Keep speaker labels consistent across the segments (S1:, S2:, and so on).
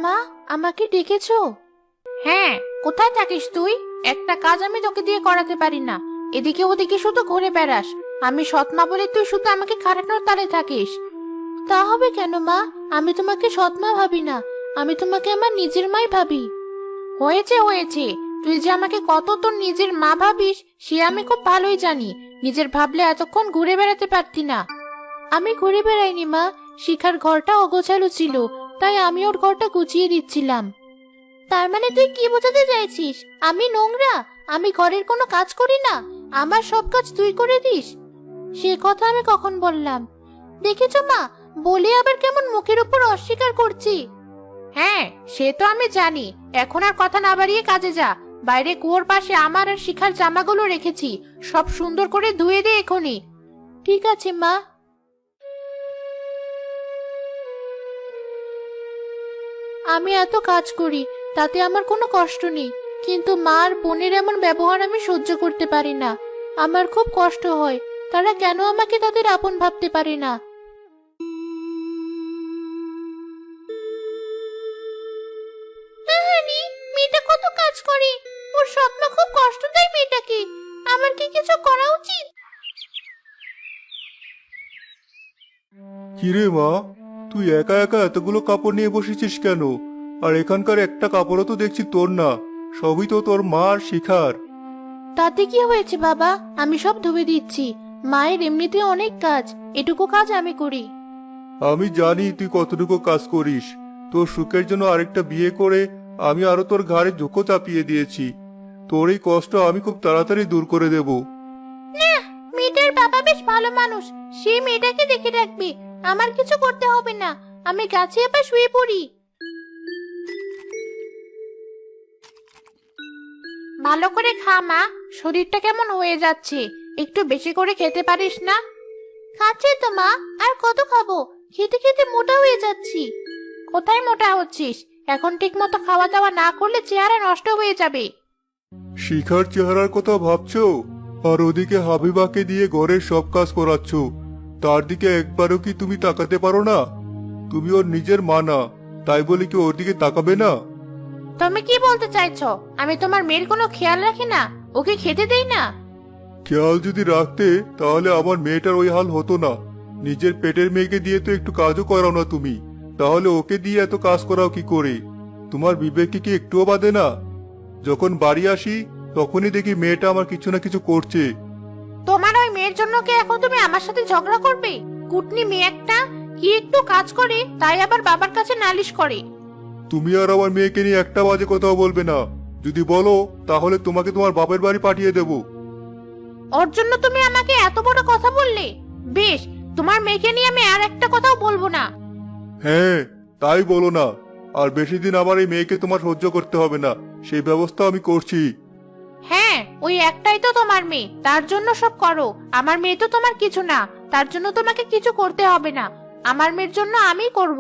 S1: মা, আমাকে ডেকেছো? হ্যাঁ, কোথায় থাকিস তুই? একটা কাজ আমি তোকে দিয়ে করাতে পারি না। এদিকে ওদিকে শুধু ঘুরে বেড়াস। আমি সৎ মা বলে তুই শুধু আমাকে খাটানোর তালে থাকিস। তা হবে কেন মা? আমি তোমাকে সৎ মা ভাবি না, আমি তোমাকে আমার নিজের মাই ভাবি। হয়েছে হয়েছে, তুই যে আমাকে কত তোর নিজের মা ভাবিস সে আমি খুব ভালোই জানি। নিজের ভাবলে এতক্ষণ ঘুরে বেড়াতে পারতি না। আমি ঘুরে বেড়াইনি মা, শিখার ঘরটা অগোছালো ছিল, তাই আমি ওর ঘরটা গুছিয়ে দিচ্ছিলাম। তার মানে তুই কি বোঝাতে চাইছিস? আমি নোংরা? আমি ঘরের কোনো কাজ করি না? আমার সব কাজ তুই করে দিস? সে কথা আমি কখন বললাম? দেখেছো মা, বলে আবার কেমন মুখের উপর অস্বীকার করছি। হ্যাঁ, সে তো আমি জানি। এখন আর কথা না বাড়িয়ে কাজে যা। বাইরে কুয়োর পাশে আমার আর শিখার জামাগুলো রেখেছি, সব সুন্দর করে ধুয়ে দে এখনই। ঠিক আছে মা। আমি এত কাজ করি, তাতে আমার কোনো কষ্ট নেই, কিন্তু মা আর বোনের এমন ব্যবহার আমি সহ্য করতে পারি না। আমার খুব কষ্ট হয়, তারা কেন আমাকে তাদের আপন ভাবতে পারে না। আহারে, মেয়েটা কত কাজ করে, ওর সৎ মা খুব কষ্ট দেয় মেয়েটাকে। আমার কি কিছু করা উচিত?
S2: কিরে মা, তুই একা একা এতগুলো কাপড় নিয়ে বসেছিস কেন? আর এখানকার একটা কাপড়ও তো দেখছি তোর না, সবই তো তোর মা আর শিখার।
S1: তাতে কি হয়েছে বাবা, আমি সব ধুয়ে দিচ্ছি। মায়ের এমনিতে অনেক কাজ, এটুকু কাজ আমি করি।
S2: আমি জানি তুই কতটুকু কাজ করিস। তোর সুখের জন্য আরেকটা বিয়ে করে আমি আরো তোর ঘাড়ে ঝোঁকো চাপিয়ে দিয়েছি। তোর এই কষ্ট আমি খুব তাড়াতাড়ি দূর করে দেব।
S1: না, মেয়েটার বাবা বেশ ভালো মানুষ, সে মেয়েটাকে দেখে রাখবে। আমার কিছু করতে হবে না, আমি গাছে আবার শুয়ে পড়ি। ভালো করে খা মা, শরীরটা কেমন হয়ে যাচ্ছে। একটু বেশি করে খেতে পারিস না? খাচ্ছি তো মা, আর কত খাবো? খেতে খেতে মোটা হয়ে যাচ্ছি। কোথায় মোটা হচ্ছিস? এখন ঠিক মতো খাওয়া দাওয়া না করলে চেহারা নষ্ট হয়ে যাবে।
S2: শিখার চেহারার কথা ভাবছো? আর ওদিকে হাবিবাকে দিয়ে ঘরের সব কাজ করাচ্ছ, তার দিকে একবারও কি তুমি তাকাতে পারো না? তুমি ওর নিজের মা না, তাই বলে কি ওর দিকে তাকাবে না?
S1: তুমি কি বলতে চাইছো? আমি তোমার মেয়ের কোনো খেয়াল রাখি না, ওকে খেতে দেই না?
S2: খেয়াল যদি রাখতে তাহলে আমার মেয়েটার ওই হাল হতো না। নিজের পেটের মেয়েকে দিয়ে তো একটু কাজও করাও না তুমি, তাহলে ওকে দিয়ে এত কাজ করাও কি করে? তোমার বিবেকে কি একটুও বাদে না? যখন বাড়ি আসি তখনই দেখি মেয়েটা আমার কিছু না কিছু করছে।
S1: তোমার ওই মেয়ের জন্য কি এখন তুমি আমার সাথে ঝগড়া করবে? কুটনি মেয়ে একটা, কি একটু কাজ করে তাই আবার বাবার কাছে নালিশ করে।
S2: তুমি আর আমার মেয়েকে নিয়ে একটা বাজে কথাও বলবে না। যদি বলো তাহলে তোমাকে তোমার বাপের বাড়ি পাঠিয়ে দেব।
S1: ওর জন্য তুমি আমাকে এত বড় কথা বললে? বেশ, তোমার মেয়েকে নিয়ে আমি আর একটা কথাও বলবো না।
S2: হ্যাঁ, তাই বলো না। আর বেশি দিন আমার এই মেয়েকে তোমার সহ্য করতে হবে না, সেই ব্যবস্থা আমি করছি।
S1: হ্যাঁ, ওই একটাই তো তোমার মেয়ে, তার জন্য সব করো। আমার মেয়ে তো তোমার কিছু না, তার জন্য তোমাকে কিছু করতে হবে না। আমার মেয়ের জন্য আমি করব।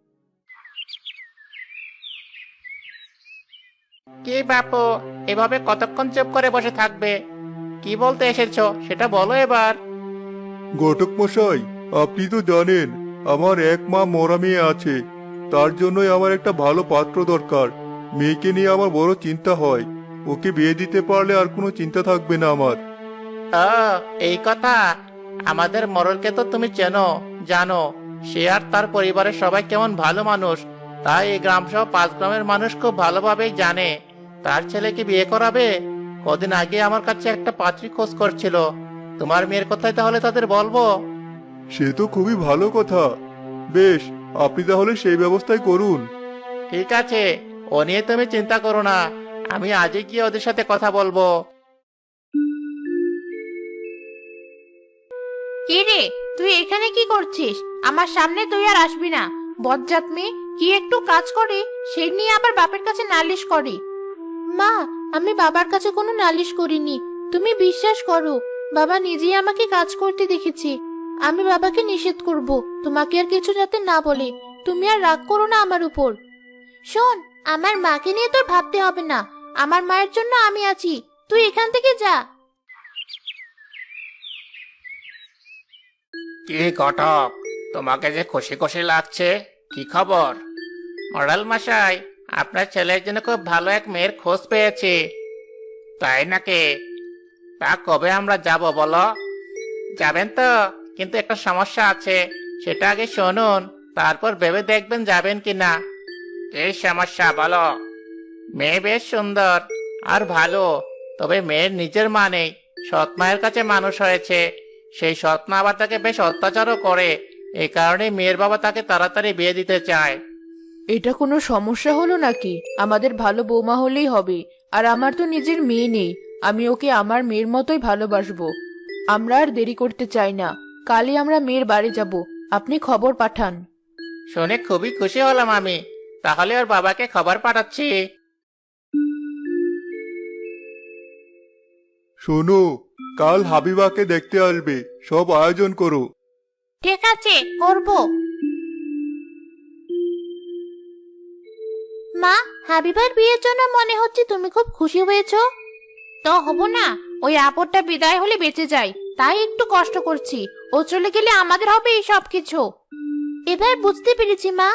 S3: কি বাপু, এভাবে কতক্ষণ চুপ করে বসে থাকবে? কি বলতে এসেছো সেটা বলো এবার।
S2: ঘটক মশাই, আপনি তো জানেন আমার এক মা মরা মেয়ে আছে। তার জন্যই আমার একটা ভালো পাত্র দরকার। মেয়েকে নিয়ে আমার বড় চিন্তা হয়। ওকে বিয়ে দিতে পারলে আর কোনো চিন্তা থাকবে না আমার।
S3: ও, এই কথা। আমাদের মরলকে তো তুমি চেনো, জানো সে আর তার পরিবারের সবাই কেমন ভালো মানুষ। তাই এই গ্রাম সহ 5 গ্রামের মানুষ খুব ভালোভাবেই জানে। তার ছেলেকে বিয়ে করাবে। কদিন আগে আমার কাছে একটা পাত্রী খোঁজ করছিল। তোমার মেয়ের কথাই তাহলে তাদের বলবো।
S2: সে তো খুবই ভালো কথা। বেশ, আপনি তাহলে সেই ব্যবস্থাই করুন।
S3: ঠিক আছে, ও নিয়ে তুমি চিন্তা করো না। আমি আজই গিয়ে ওদের সাথে কথা বলবো।
S1: কি রে, তুই এখানে কি করছিস? আমার সামনে তুই আর আসবি না। বজ্জাত মেয়ে, কি একটু কাজ করে সেই নিয়ে আবার বাপের কাছে নালিশ করে। মা, আমি বাবার কাছে কোনো নালিশ করিনি, তুমি বিশ্বাস করো। বাবা নিজেই আমাকে কাজ করতে দেখেছি। আমি বাবাকে নিষেধ করব তোমাকে আর কিছু যাতে না বলে। তুমি আর রাগ করো না আমার উপর। শোন, আমার মাকে নিয়ে তোর ভাবতে হবে না। আমার মায়ের জন্য আমি আছি, তুই এখান থেকে যা।
S3: কি ঘটক, তোমাকে যে খুশি খুশি লাগছে, কি খবর? মোড়াল মশাই, আপনার ছেলের জন্য খুব ভালো এক মেয়ের খোঁজ পেয়েছি। তাই নাকি? তা কবে আমরা যাব বলো? যাবেন তো, কিন্তু একটা সমস্যা আছে, সেটা আগে শুনুন, তারপর ভেবে দেখবেন যাবেন কিনা। এই সমস্যা বলো। মেয়ে বেশ সুন্দর আর ভালো, তবে মেয়ের নিজের মা নেই, সৎ মায়ের কাছে মানুষ হয়েছে। সেই সৎ মা আবার তাকে বেশ অত্যাচারও করে। এই কারণে মেয়ের বাবা তাকে তাড়াতাড়ি বিয়ে দিতে চায়।
S4: এটা কোনো সমস্যা হলো নাকি? আমাদের ভালো বৌমা হলেই হবে। আর আমার তো নিজের মেয়ে নেই, আমি ওকে আমার মেয়ের মতোই ভালোবাসবো। আমরা আর দেরি করতে চাই না, কালই আমরা মেয়ের বাড়ি যাব। আপনি খবর পাঠান।
S3: শুনে খুবই খুশি হলাম আমি। তাহলে ওর বাবাকে খবর পাঠাচ্ছি।
S2: শোনো, কাল হাবিবাকে দেখতে আসবে, সব আয়োজন করো।
S1: ঠিক আছে, করব। মা, হাবিবার বিয়ের জন্য মনে হচ্ছে তুমি খুব খুশি হয়েছো। তো হব না, ওই আপদটা বিদায় হলে বেঁচে যাই, তাই একটু কষ্ট করছি। ও চলে গেলে আমাদের হবে এই সব কিছু। এবার বুঝতে পেরেছি মা।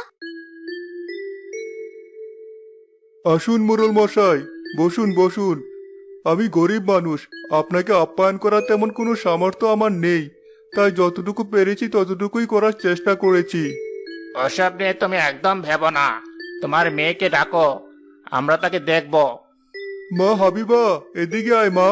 S2: আসুন মোড়ল মশাই, বসুন বসুন। আমি গরিব মানুষ, আপনাকে আপ্যায়ন করার তেমন কোনো সামর্থ্য আমার নেই, তাই যতটুকু পেরেছি ততটুকুই করার চেষ্টা করেছি।
S3: ওসব নিয়ে তুমি একদম ভেবো না। তোমার মেয়েকে ডাকো, আমরা তাকে দেখব।
S2: মা হাবিবা, এদিকে আয় মা।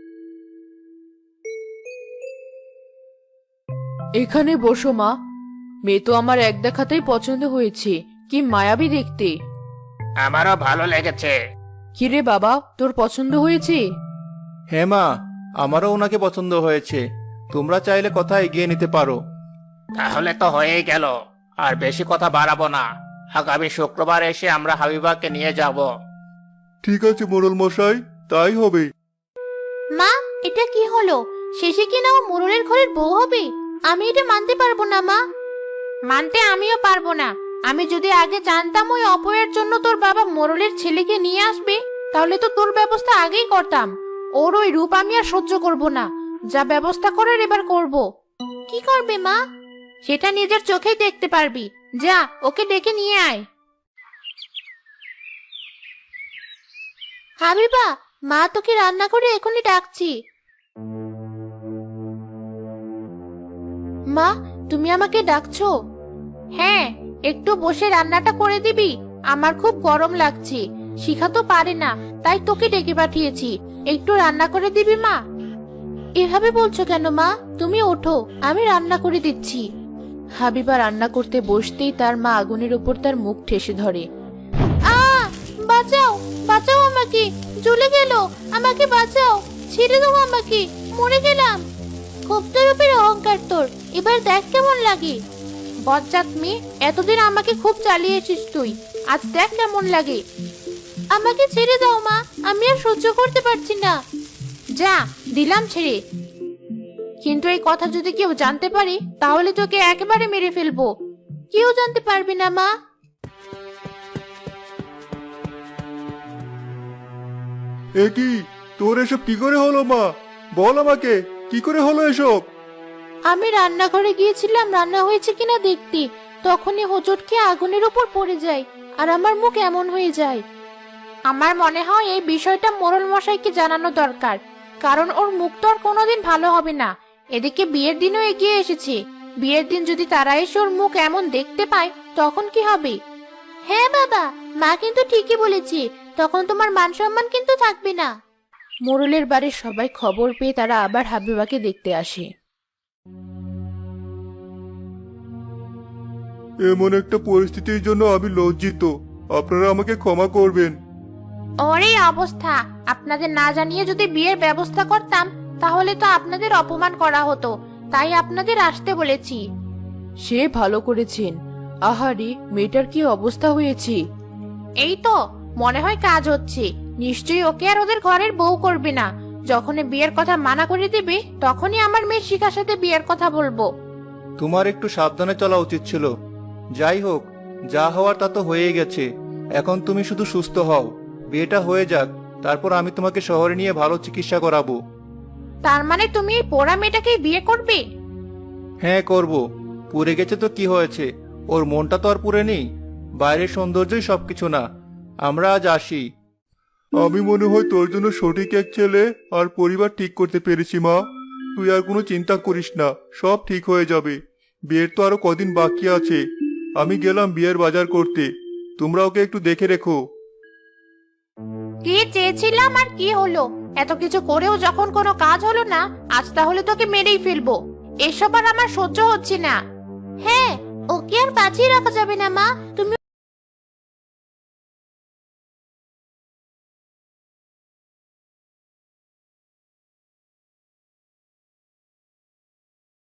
S4: এখানে বসো মা। মেয়ে তো আমার এক দেখাতেই পছন্দ হয়েছে, কি মায়াবী দেখতে।
S3: আমারও ভালো লেগেছে।
S4: কিরে বাবা, তোর পছন্দ হয়েছে?
S5: হ্যাঁ মা, আমারও ওনাকে পছন্দ হয়েছে। তোমরা চাইলে কথা এগিয়ে নিতে পারো।
S3: তাহলে তো হয়েই গেল, আর বেশি কথা বাড়াবো না। আগামী শুক্রবার এসে আমরা হাবিবাকে নিয়ে যাব।
S2: ঠিক আছে মোড়ল মশাই, তাই হবে।
S1: মা, এটা কি হলো? শেষে কি না ও মোড়লের ঘরের বউ হবে? আমি এটা মানতে পারবো না মা। মানতে আমিও পারবো না। আমি যদি আগে জানতাম ওই অপয়ের জন্য তোর বাবা মোড়লের ছেলেকে নিয়ে আসবে, তাহলে তো তোর ব্যবস্থা আগেই করতাম। ওর ওই রূপ আমি আর সহ্য করব না। যা ব্যবস্থা করার এবার করব। কি করবে মা? সেটা নিজের চোখেই দেখতে পারবি। যা, ওকে ডেকে নিয়ে আয়। হাবিবা, মা তোকে রান্না করে এখনই ডাকছি। মা, তুমি আমাকে ডাকছো? হ্যাঁ, একটু বসে রান্নাটা করে দিবি? আমার খুব গরম লাগছে, শিখা তো পারে না, তাই তোকে ডেকে পাঠিয়েছি। একটু রান্না করে দিবি মা? এভাবে বলছো কেন মা? তুমি ওঠো, আমি রান্না করে দিচ্ছি।
S4: হাবিবা রান্না করতে বসতেই তার মা আগুনের উপর তার মুখ ঠেসে ধরে।
S1: বাঁচাও, বাঁচাও আমাকে, জ্বলে গেল, আমাকে বাঁচাও, ছেড়ে দাও আমাকে, মরে গেলাম। খুব তোর উপর অহংকার তোর, এবার দেখ কেমন লাগে। বজ্জাত মেয়ে, এতদিন আমাকে খুব চালিয়েছিস তুই, আজ দেখ কেমন লাগে। আমাকে ছেড়ে দাও মা, আমি আর সহ্য করতে পারছি না। যা, দিলাম ছেড়ে। কিন্তু এই কথা যদি কেউ জানতে পারে, তাহলে তোকে একেবারে মেরে ফেলবো। কেউ জানতে পারবে না মা।
S2: এ কি, তোর এসব কি করে হলো মা? বল আমাকে, কি করে হলো এসব?
S1: আমি রান্নাঘরে গিয়েছিলাম রান্না হয়েছে কিনা দেখতে, তখনই হোঁচট খেয়ে আগুনের উপর পড়ে যায়, আর আমার মুখ এমন হয়ে যায়। আমার মনে হয় এই বিষয়টা মোড়ল মশাইকে জানানো দরকার, কারণ ওর মুখ তো আর কোনোদিন ভালো হবে না। এদিকে বিয়ের দিনও এগিয়ে এসেছে, বিয়ের দিন যদি তারা এসে ওর মুখ এমন দেখতে পায়, তখন কি হবে? হ্যাঁ বাবা, মা কিন্তু ঠিকই বলেছে, তখন তোমার মান সম্মান কিন্তু থাকবে না।
S4: মোড়লের বাড়ির সবাই খবর পেয়ে তারা আবার হাবিবাকে দেখতে আসে।
S2: এমন একটা পরিস্থিতির জন্য আমি লজ্জিত, আপনারা আমাকে ক্ষমা করবেন।
S1: ওর এই অবস্থা, আপনাদের না জানিয়ে যদি বিয়ের ব্যবস্থা করতাম, তাহলে তো আপনাদের অপমান করা হতো, তাই আপনাদের আসতে বলেছি।
S4: সে ভালো করেছেন। আহারে, মেয়েটার কি অবস্থা হয়েছে!
S1: এই তো মনে হয় কাজ হচ্ছে, নিশ্চয়ই ওকে আর ওদের ঘরের বউ করবে না। যখনই বিয়ের কথা মানা করে দিবে, তখনই আমার মেয়ে শিখার সাথে বিয়ের কথা বলবো।
S5: তোমার একটু সাবধানে চলা উচিত ছিল। যাই হোক, যা হওয়ার তা তো হয়েই গেছে। এখন তুমি শুধু সুস্থ হও, বিয়েটা হয়ে যাক, তারপর আমি তোমাকে শহরে নিয়ে ভালো চিকিৎসা করাবো।
S1: তার মানে তুমি এই পোড়া মেয়েটাকেই বিয়ে করবে?
S5: হ্যাঁ করব। পুড়ে গেছে তো কি হয়েছে, ওর মনটা তো আর পুড়ে নেই। বাইরের সৌন্দর্যই সবকিছু না। আমরা আজ আসি।
S2: আমি মনে হয় তোর জন্য সঠিক এক ছেলে আর পরিবার ঠিক করতে পেরেছি মা। তুই আর কোনো চিন্তা করিস না, সব ঠিক হয়ে যাবে। বিয়ের তো আরো কদিন বাকি আছে। আমি গেলাম বিয়ের বাজার করতে, তোমরা ওকে একটু দেখে রেখো।
S1: কি চেয়েছিলাম আর কি হলো? এত কিছু করেও যখন কোনো কাজ হলো না, আজ তাহলে তোকে মেরেই ফেলবো। এসব আর আমার সহ্য হচ্ছে না। হ্যাঁ, ওকে আর বাঁচিয়ে রাখা যাবে না মা। তুমি